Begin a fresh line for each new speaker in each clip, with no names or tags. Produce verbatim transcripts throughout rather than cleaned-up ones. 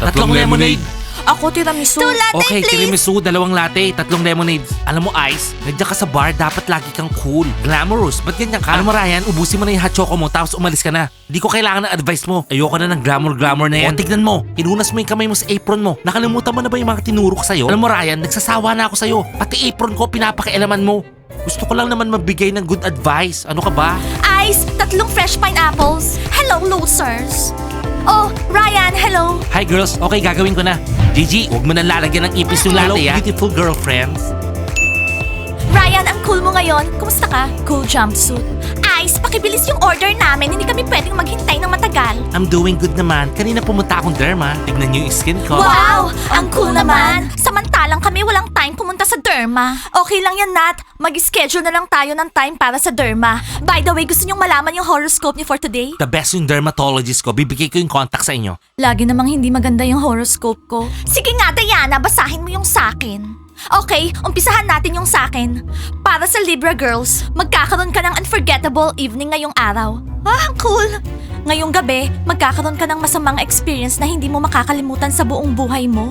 Tatlong lemonade.
Ako tiramisu.
Two latte,
Okay,
please.
tiramisu, dalawang latte, tatlong lemonades. Alam mo, Ice, nandiyan ka sa bar, dapat lagi kang cool. Glamorous, ba't ganyan ka? Alam mo, Ryan, ubusin mo na yung hot choco mo, tapos umalis ka na. Hindi ko kailangan ng advice mo. Ayoko na ng glamour-glamour na yan. O, tignan mo, inunas mo yung kamay mo sa apron mo. Nakalimutan mo na ba yung mga tinuro ko sa'yo? Alam mo, Ryan, nagsasawa na ako sa'yo. Pati apron ko, pinapakialaman mo. Gusto ko lang naman mabigay ng good advice. Ano ka ba?
Ice, tatlong fresh pineapples. Hello, losers. Oh, Ryan, hello.
Hi girls, okay gagawin ko na. Gigi, huwag mo nang lalagyan ng ipis yung latte, ah. Beautiful girlfriends.
Ryan, ang cool mo ngayon. Kumusta ka? Cool jumpsuit. Ice, pakibilis yung order namin. Hindi kami pwedeng maghintay ng matagal.
I'm doing good naman. Kanina pumunta akong derma. Tignan niyo yung skin ko.
Wow! Ang cool naman! Samantalang kami walang time pumunta sa derma. Okay lang yan, Nat. Mag-schedule na lang tayo ng time para sa derma. By the way, gusto niyong malaman yung horoscope niyo for today?
The best yung dermatologist ko. Bibigay ko yung contact sa inyo.
Lagi namang hindi maganda yung horoscope ko.
Sige nga, Diana, basahin mo yung sakin. Okay, umpisahan natin yung sakin. Para sa Libra girls, magkakaroon ka ng unforgettable evening ngayong araw. Ah, ang cool! Ngayong gabi, magkakaroon ka ng masamang experience na hindi mo makakalimutan sa buong buhay mo.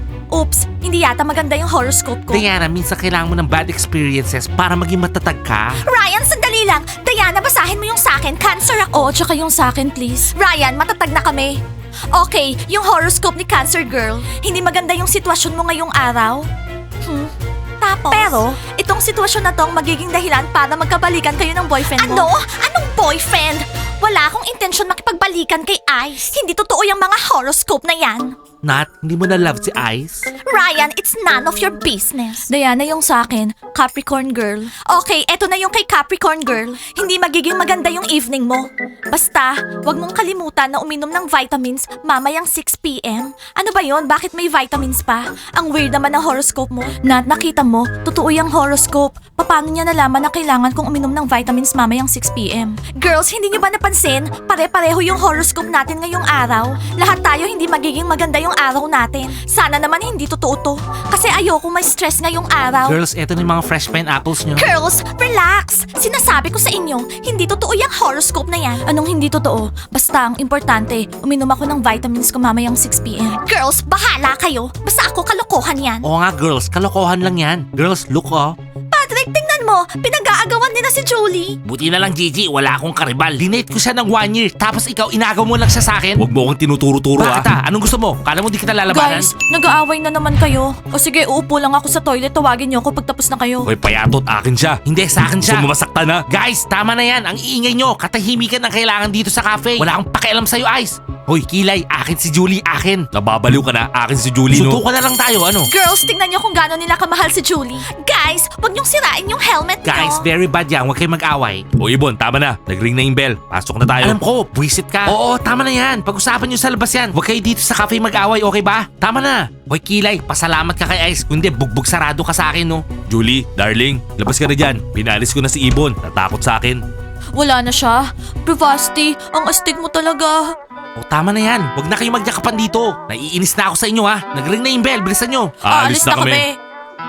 Oops, hindi yata maganda yung horoscope ko.
Diana, minsan kailangan mo ng bad experiences para maging matatag ka.
Ryan, sandali lang. Diana, basahin mo yung sakin. Cancer ako.
Oo, tsaka yung sakin please.
Ryan, matatag na kami. Okay, yung horoscope ni Cancer Girl. Hindi maganda yung sitwasyon mo ngayong araw. Hmm. Tapos? Pero, itong sitwasyon na tong magiging dahilan para magkabalikan kayo ng boyfriend mo. Ano? Anong boyfriend? Wala akong intensyon makipagbalikan kay Ice. Hindi totoo yung mga horoscope na yan.
Nat, hindi mo na love si Ice?
Ryan, it's none of your business.
Diana yung sakin, Capricorn girl.
Okay, eto na yung kay Capricorn Girl. Hindi magiging maganda yung evening mo. Basta, wag mong kalimutan na uminom ng vitamins mamayang six p m Ano ba yon? Bakit may vitamins pa? Ang weird naman ng horoscope mo.
Nat, nakita mo, totoo yung horoscope. Paano niya nalaman na kailangan kong uminom ng vitamins mamayang six p m?
Girls, hindi niyo ba napansin? Pare-pareho yung horoscope natin ngayong araw. Lahat tayo hindi magiging maganda yung araw natin. Sana naman hindi totoo to. Kasi ayoko may stress ngayong araw.
Girls, eto na yung mga fresh pineapples nyo.
Girls, relax! Sinasabi ko sa inyo, hindi totoo yung horoscope na yan.
Anong hindi totoo? Basta ang importante, uminom ako ng vitamins ko mamayang six p m.
Girls, bahala kayo. Basta ako kalokohan yan.
Oo nga girls, kalokohan lang yan. Girls, look oh.
Patrick, tingnan mo. Pinag-aagawan nila si Julie.
Buti na lang Gigi, wala akong karibal. Dinate ko siya ng one year, tapos ikaw inagaw mo lang siya sa akin. Huwag mo akong tinuturo-turo ah. Bakit ah? Anong gusto mo? Kala mo di kita lalabanan?
Guys, nag-aaway na naman kayo. O sige, uupo lang ako sa toilet, tawagin niyo ako pagtapos na kayo.
Hoy, payatot, akin siya. Hindi, sa akin siya. Gusto mo masaktan na? Guys, tama na yan. Ang iingay nyo. Katahimikan ang kailangan dito sa cafe. Wala akong pakialam sa'yo, Ice. Hoy, Kilay, akin si Julie, akin. Nababaliw ka na, akin si Julie, no? Suntukan na lang tayo, ano?
Girls, tingnan niyo kung gaano nila kamahal si Julie. Guys, wag niyong sirain yung helmet niyo.
Guys, very bad yan. Huwag kayong mag-away. O, Ibon, tama na. Nag-ring na yung bell. Pasok na tayo. Alam ko, buwisit ka. Oo, tama na yan. Pag-usapan nyo sa labas yan. Huwag kayo dito sa cafe mag-away, okay ba? Tama na. Hoy, Kilay, pasalamat ka kay Ice. Kundi, bugbog sarado ka sa akin, no? Julie, darling, labas ka na dyan. Pinalis ko na si Ibon. Natakot sa akin.
Wala na siya. Bravasti, ang astig mo talaga.
O, tama na yan. Huwag na kayo magyakapan dito. Naiinis na ako sa inyo, ha? Nag-ring na yung bell. Bilisan nyo.
Aalis na kami.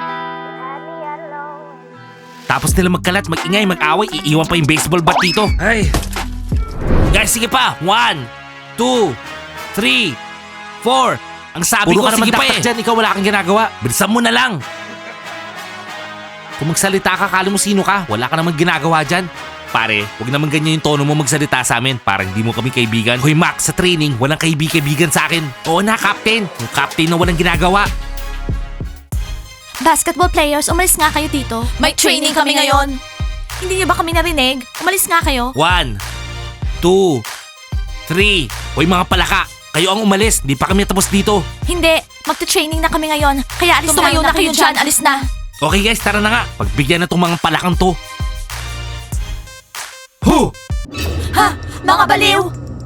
Tapos nila magkalat, mag-ingay, mag-away, iiwan pa yung baseball bat dito. Ay. Guys, sige pa. One, two, three, four. Ang sabi
Puro
ko,
ka naman
sige pa
daktak
eh. Dyan, ikaw wala kang ginagawa. Bilisan mo na lang. Kung magsalita ka, kala mo sino ka. Wala ka naman ginagawa dyan. Pare, huwag naman ganyan yung tono mo magsalita sa amin. Parang hindi mo kami kaibigan. Hoy Max, sa training, walang kaibig-kaibigan sa akin. Oo na, Captain. Yung Captain na walang ginagawa.
Basketball players, umalis nga kayo dito.
May training kami ngayon.
Hindi niyo ba kami narinig? Umalis nga kayo.
One, two, three. Hoy mga palaka, kayo ang umalis. Di pa kami tapos dito.
Hindi, magte-training na kami ngayon. Kaya alis
Tumayo
na,
na kayo dyan, alis na.
Okay guys, tara na nga. Pagbigyan na tong mga palakang to. Huh!
Ha? Mga baliw!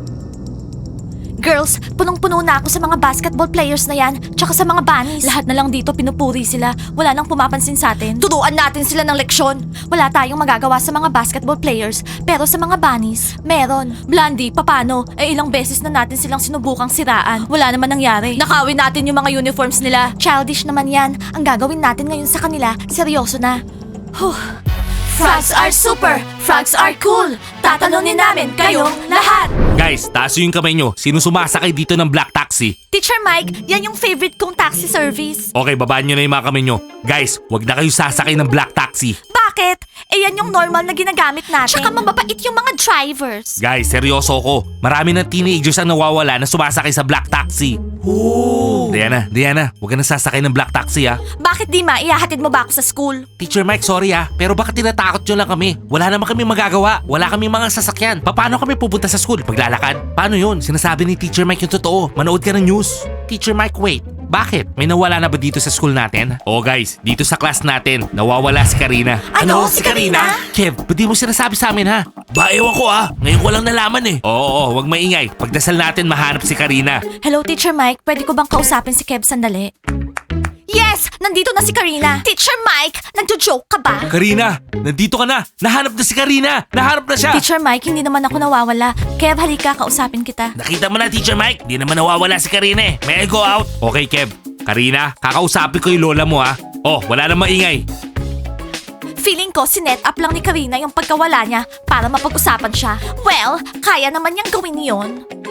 Girls, punong-puno na ako sa mga basketball players na yan, tsaka sa mga bunnies.
Lahat na lang dito pinupuri sila. Wala nang pumapansin sa atin.
Turuan natin sila ng leksyon. Wala tayong magagawa sa mga basketball players, pero sa mga bunnies, meron.
Blondie, papano? Eh ilang beses na natin silang sinubukang siraan. Wala naman nangyari. Nakawin natin yung mga uniforms nila.
Childish naman yan. Ang gagawin natin ngayon sa kanila, seryoso na. Huh.
Frogs are super! Frogs are cool! Tatalunin namin kayong lahat!
Guys, taas yung kamay nyo. Sino sumasakay dito ng black taxi?
Teacher Mike, yan yung favorite kong taxi service.
Okay, babaan nyo na yung mga kamay nyo. Guys, wag na kayo sasakay ng black taxi.
Bakit? Eh yan yung normal na ginagamit natin. Tsaka mababait yung mga drivers.
Guys, seryoso ko. Marami ng teenagers ang nawawala na sumasakay sa black taxi. Oh. Diana, Diana, wag ka na sasakay ng black taxi ha.
Bakit di ma, ihahatid mo ba ako sa school?
Teacher Mike, sorry ha, pero bakit tinatakot nyo lang kami? Wala naman kami magagawa. Wala kami mga sasakyan. Paano kami pupunta sa school? Paglalakad? Paano yun? Sinasabi ni Teacher Mike yung totoo. Manood ka ng news. Teacher Mike, wait. Bakit? May nawala na ba dito sa school natin? Oh guys, dito sa class natin, nawawala si Karina.
Ano? Si Karina?
Kev, ba't di mo sinasabi sa amin ha? Ba, ewan ko ah. Ngayon ko lang nalaman eh. Oo, oo, wag maingay. Pagdasal natin mahanap si Karina.
Hello, Teacher Mike. Pwede ko bang kausapin si Kev sandali?
Yes! Nandito na si Karina. Teacher Mike, nagjo-joke ka ba?
Karina, nandito ka na. Nahanap na si Karina. Nahanap na siya.
Teacher Mike, hindi naman ako nawawala. Kev, halika, kausapin kita.
Nakita mo na, Teacher Mike. Di naman nawawala si Karina eh. May I go out? Okay, Kev. Karina, kakausapin ko yung lola mo ha. Oh, wala nang maingay.
Feeling ko, sinet up lang ni Karina yung pagkawala niya para mapag-usapan siya. Well, kaya naman niyang gawin yon.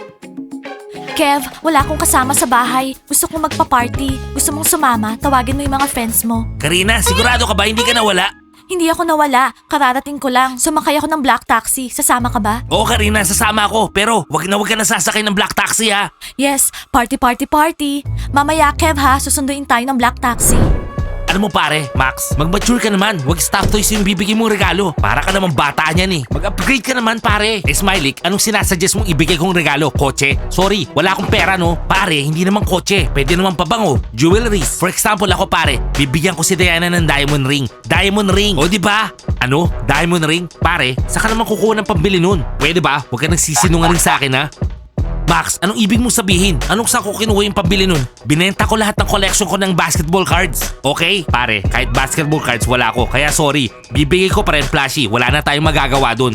Kev, wala akong kasama sa bahay. Gusto kong magpa-party. Gusto mong sumama, tawagin mo yung mga friends mo.
Karina, sigurado ka ba hindi ka nawala?
Hindi ako nawala. Kararating ko lang. Sumakay ako ng black taxi. Sasama ka ba?
Oo, Karina, sasama ako. Pero wag na wag ka na sasakay ng black taxi ha.
Yes, party party party. Mamaya, Kev ha, susunduin tayo ng black taxi.
Ano mo pare, Max? Mag-mature ka naman. Wag stuff toys yung bibigay mong regalo. Para ka naman bata niyan eh. Mag-upgrade ka naman pare. Eh Smiley, anong sinasuggest mong ibigay kong regalo? Kotse? Sorry, wala akong pera no. Pare, hindi naman kotse. Pwede naman pabango. Jewelries. For example ako pare, bibigyan ko si Diana ng diamond ring. Diamond ring. O di ba? Ano? Diamond ring? Pare, saka naman kukuha ng pambili nun. Pwede ba? Huwag ka nagsisinungaling sa akin ha. Max, anong ibig mong sabihin? Anong saan ko kinuha yung pambili nun? Binenta ko lahat ng collection ko ng basketball cards. Okay? Pare, kahit basketball cards wala ko. Kaya sorry, bibigay ko pa rin plushie. Wala na tayong magagawa dun.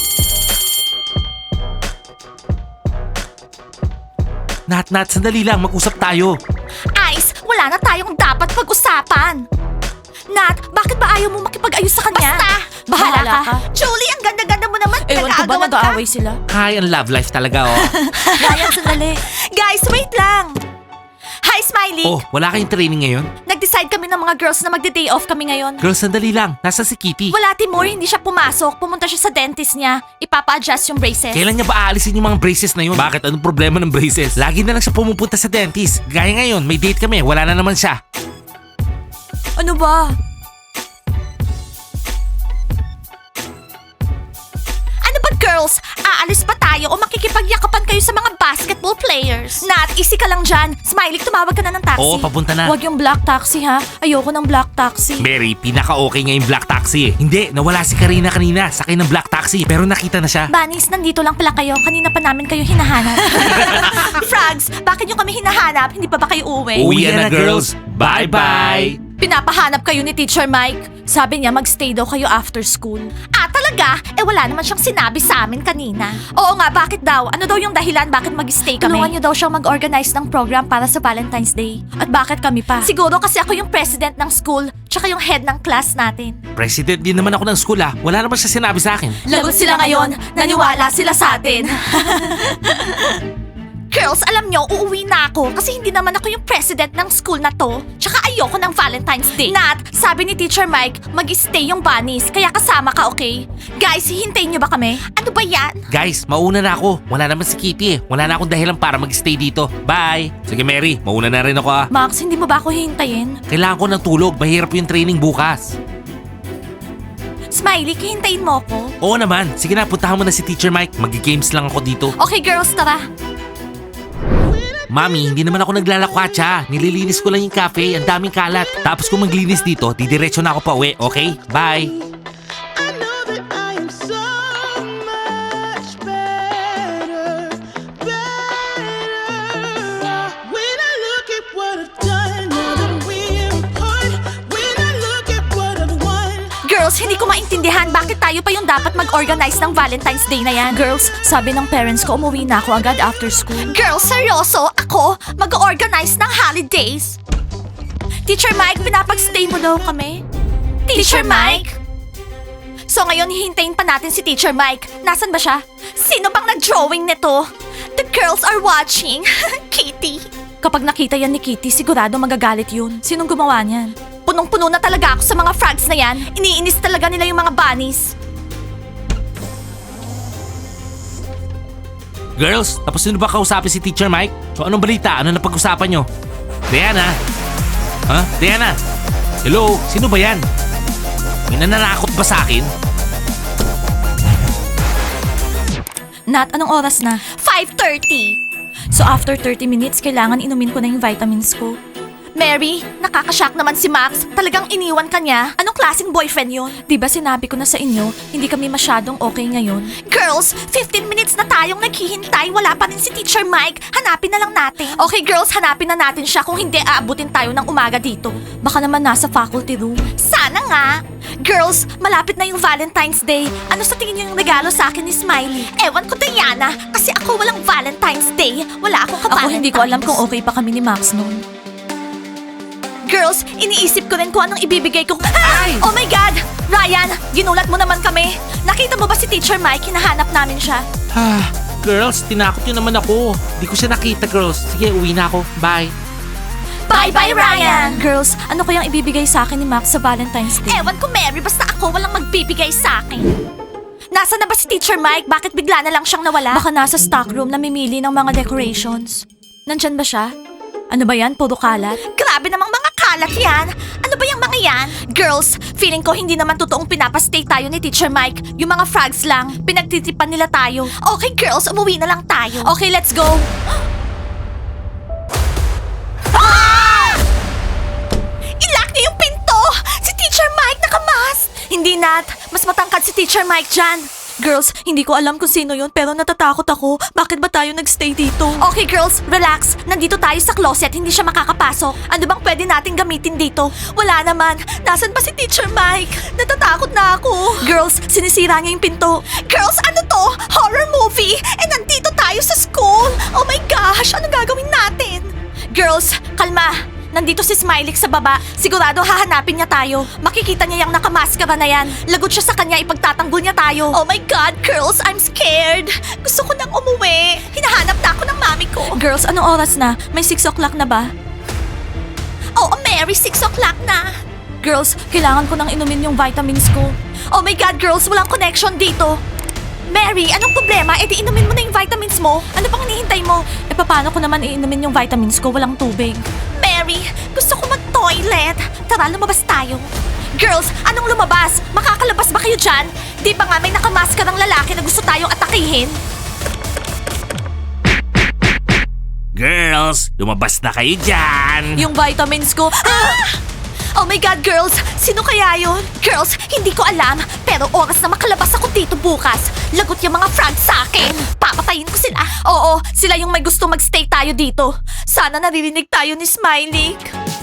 Nat, Nat, sandali lang. Mag-usap tayo.
Ice, wala na tayong dapat pag-usapan. Nat, bakit ba ayaw mo makipag-ayos sa kanya? Basta!
Bahala ka.
Julie, ang ganda-ganda mo naman.
Ewan ko ba
Nag-aagawan ka?
nag-aaway sila?
Hi, ang love life talaga oh.
Ryan, sandali.
Guys, wait lang. Hi, Smiley.
Oh, wala kayong training ngayon?
Nag-decide kami ng mga girls na magde-day off kami ngayon.
Girls, sandali lang. Nasa si Kitty.
Wala, Timur, hindi siya pumasok. Pumunta siya sa dentist niya. Ipapa-adjust yung braces.
Kailan niya ba aalisin yung mga braces na yun? Bakit? Anong problema ng braces? Lagi na lang siya pumupunta sa dentist. Gaya ngayon, may date kami. Wala na naman siya.
Ano ba?
Ano ba, girls? Aalis pa tayo o makikipagyakapan kayo sa mga basketball players? Nat, easy ka lang dyan. Smiley, tumawag ka na ng taxi.
Oo, papunta na.
Huwag yung black taxi ha. Ayoko ng black taxi.
Mary, pinaka-okay nga yung black taxi eh. Hindi, nawala si Karina kanina. Sakay ng black taxi, pero nakita na siya.
Bunnies, nandito lang pala kayo. Kanina pa namin kayo hinahanap. Frogs, bakit nyo kami hinahanap? Hindi pa ba kayo uuwi?
Uwi na, girls. Bye-bye.
Pinapahanap kayo ni Teacher Mike. Sabi niya mag-stay daw kayo after school.
Ah, talaga? Eh wala naman siyang sinabi sa amin kanina. Oo nga, bakit daw? Ano daw yung dahilan bakit mag-stay kami?
Tulungan niyo daw siyang mag-organize ng program para sa Valentine's Day. At bakit kami pa?
Siguro kasi ako yung president ng school, tsaka yung head ng class natin.
President din naman ako ng school ah. Wala naman siya sinabi sa akin.
Lagot sila ngayon. Naniwala sila sa atin.
Girls, alam nyo, uuwi na ako kasi hindi naman ako yung president ng school na to. Tsaka ayoko ng Valentine's Day. Nat, sabi ni Teacher Mike, mag-stay yung bunnies, kaya kasama ka, okay? Guys, hihintayin nyo ba kami? Ano ba yan?
Guys, mauna na ako. Wala naman si Kitty eh. Wala na akong dahilan para mag-stay dito. Bye. Sige Mary, mauna na rin ako ah.
Max, hindi mo ba ako hihintayin?
Kailangan ko ng tulog. Mahirap yung training bukas.
Smiley, hihintayin mo ako?
Oo naman. Sige na, puntahan mo na si Teacher Mike. Mag-games lang ako dito.
Okay girls, tara.
Mami, hindi naman ako naglalakwatsa. Nililinis ko lang yung cafe. Ang daming kalat. Tapos kung maglinis dito, didiretso na ako pa uwi. Okay? Bye.
I know that I am so much better, better. When I look at what I've done, now that we're apart. When I look at what I've won.
Girls, hindi ko maintindihan bakit tayo pa yung dapat mag-organize ng Valentine's Day na yan.
Girls, sabi ng parents ko umuwi na ako agad after school.
Girls, seryoso? Ako? Mag-organize ng holidays? Teacher Mike, pinapag-stay mo daw kami? Teacher Mike? So ngayon hihintayin pa natin si Teacher Mike. Nasaan ba siya? Sino bang nag-drawing nito? The girls are watching. Kitty.
Kapag nakita yan ni Kitty, sigurado magagalit yun. Sinong gumawa niyan?
Punong-puno na talaga ako sa mga frogs na yan. Iniinis talaga nila yung mga bunnies.
Girls, tapos nyo ba kausapin si Teacher Mike? So anong balita? Ano na pag-usapan nyo? Diana? Ha? Diana? Hello? Sino ba yan? May nananakot ba sa akin?
Nat, anong oras na?
five thirty.
So after thirty minutes, kailangan inumin ko na yung vitamins ko.
Mary, nakakashock naman si Max. Talagang iniwan ka niya. Anong klaseng boyfriend yun?
Di ba sinabi ko na sa inyo, hindi kami masyadong okay ngayon?
Girls, fifteen minutes na tayong naghihintay. Wala pa rin si Teacher Mike. Hanapin na lang natin. Okay girls, hanapin na natin siya. Kung hindi, aabutin tayo ng umaga dito.
Baka naman nasa faculty room.
Sana nga. Girls, malapit na yung Valentine's Day. Ano sa tingin niyo yung regalo sa akin ni Smiley? Ewan ko, Diana. Kasi ako walang Valentine's Day. Wala akong
Ako
ka-Valentine's.
hindi ko alam kung okay pa kami ni Max noon.
Girls, iniisip ko rin kung anong ibibigay ko.
Ay!
Oh my God! Ryan, ginulat mo naman kami. Nakita mo ba si Teacher Mike? Hinahanap namin siya.
Ah, girls, tinakot nyo naman ako. Di ko siya nakita, girls. Sige, uwi na ako. Bye.
Bye-bye, Ryan!
Girls, ano kayang ibibigay sa akin ni Max sa Valentine's Day?
Ewan ko, Mary. Basta ako walang magbibigay sa akin. Nasaan na ba si Teacher Mike? Bakit bigla na lang siyang nawala?
Baka nasa stock room namimili ng mga decorations. Nandyan ba siya? Ano ba yan? Puro kalat?
Grabe namang mga kalat yan. Ano ba yung mga yan? Girls, feeling ko hindi naman totoong pinapastay tayo ni Teacher Mike. Yung mga frogs lang, pinagtitipan nila tayo. Okay girls, umuwi na lang tayo.
Okay, let's go!
Ah! Ilock niyo yung pinto! Si Teacher Mike nakamask!
Hindi, Nat. Mas matangkad si Teacher Mike dyan. Girls, hindi ko alam kung sino yun pero natatakot ako. Bakit ba tayo nagstay dito?
Okay girls, relax. Nandito tayo sa closet, hindi siya makakapasok. Ano bang pwede natin gamitin dito? Wala naman. Nasaan ba si Teacher Mike? Natatakot na ako.
Girls, sinisira niya yung pinto.
Girls, ano to? Horror movie? Eh, nandito tayo sa school. Oh my gosh, ano gagawin natin? Girls, kalma. Nandito si Smiley sa baba. Sigurado hahanapin niya tayo. Makikita niya yung nakamaskara na yan. Lagot siya sa kanya, ipagtatanggol niya tayo. Oh my God, girls, I'm scared. Gusto ko nang umuwi. Hinahanap na ako ng mami ko.
Girls, anong oras na? May six o'clock na ba?
Oo, Mary, six o'clock na.
Girls, kailangan ko nang inumin yung vitamins ko.
Oh my God, girls, walang connection dito. Mary, anong problema? E di inumin mo na yung vitamins mo. Ano pang hinihintay mo?
E paano ko naman iinumin yung vitamins ko? Walang tubig.
Mary, gusto ko mag-toilet. Tara, lumabas tayo. Girls, anong lumabas? Makakalabas ba kayo dyan? Di ba nga may nakamaskarang lalaki na gusto tayong atakihin?
Girls, lumabas na kayo dyan.
Yung vitamins ko.
Ah! Oh my God, girls! Sino kaya yon? Girls, hindi ko alam. Pero oras na makalabas ako dito bukas. Lagot yung mga frogs sa akin. Papatayin ko sila. Oo, sila yung may gusto magstay tayo dito. Sana naririnig tayo ni Smiley.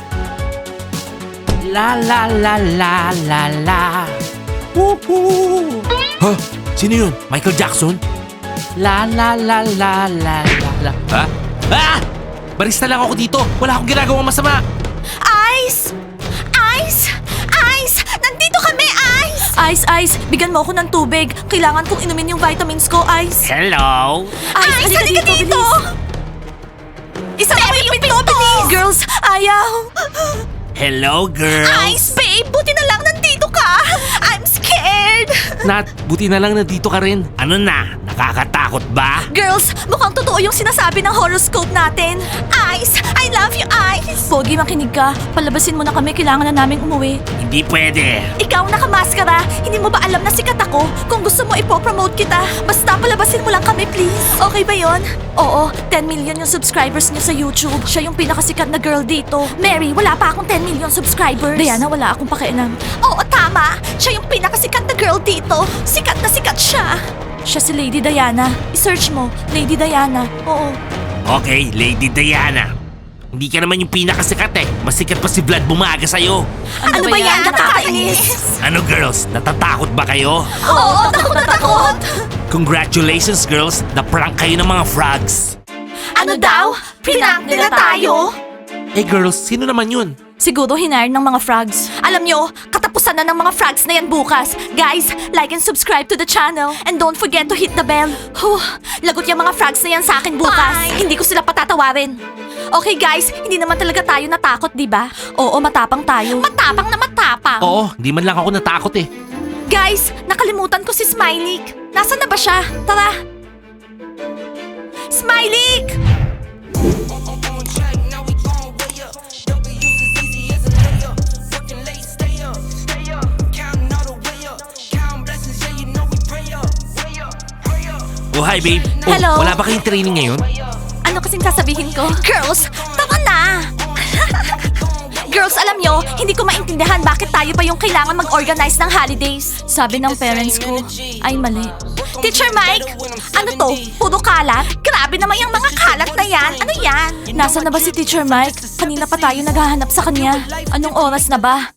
La la la la la la. Woohoo! Ha? Sino yun? Michael Jackson? La la la la la la la. Ha? Ah! Barista lang ako dito. Wala akong ginagawang masama.
Ice! Ice! Ice! Nandito kami, Ice!
Ice, Ice, bigyan mo ako ng tubig. Kailangan kong inumin yung vitamins ko, Ice.
Hello?
Ice,
halika
halika
dito,
dito! Isa mo yung pinto, bilis!
Girls, ayaw.
Hello, girls?
Ice, babe! Buti na lang nandito ka! I'm scared!
Nat, buti na lang nandito ka rin. Ano na? Nakakatakot ba?
Girls, mukhang totoo yung sinasabi ng horoscope natin. Ice! I love you, Ice!
Pogi, makinig ka. Palabasin mo na kami. Kailangan na naming umuwi.
Hindi pwede.
Ikaw nakamaskara, hindi mo ba alam na sikat ako? Kung gusto mo ipopromote kita, basta palabasin mo lang kami, please. Okay ba yon?
Oo, ten million yung subscribers niyo sa YouTube. Siya yung pinakasikat na girl dito.
Mary, wala pa akong ten million subscribers.
Diana, wala akong pakialam.
Oo, tama. Siya yung pinakasikat na girl dito. Sikat na sikat siya.
Siya si Lady Diana. I-search mo, Lady Diana. Oo.
Okay, Lady Diana. Hindi ka naman yung pinakasikat eh. Mas sikat pa si Vlad Bumaga sa'yo.
Ano, ba yan? Nakakainis.
Ano girls, natatakot ba kayo?
Oo, takot na takot.
Congratulations girls, na-prank kayo ng mga frogs.
Ano daw? Prank nila tayo?
Eh girls, sino naman yun?
Siguro hinire ng mga frogs.
Alam nyo, katapusan Asan na ng mga frogs na yan bukas? Guys, like and subscribe to the channel. And don't forget to hit the bell. Huh, lagot yung mga frogs na yan sa akin bukas. Hindi ko sila patatawarin. Okay guys, hindi naman talaga tayo natakot, di ba? Oo, matapang tayo. Matapang na matapang.
Oo, di man lang ako natakot eh.
Guys, nakalimutan ko si Smiley. Nasaan na ba siya? Tara. Smiley!
Oh, hi babe. Oh,
Hello.
wala ba kayong training ngayon?
Ano kasing sasabihin ko? Girls, tara na! Girls, alam nyo, hindi ko maintindihan bakit tayo pa yung kailangan mag-organize ng holidays. Sabi ng parents ko, ay mali. Teacher Mike, ano to? Puro kalat? Grabe naman yung mga kalat na yan. Ano yan? Nasaan na ba si Teacher Mike? Kanina pa tayo naghahanap sa kanya. Anong oras na ba?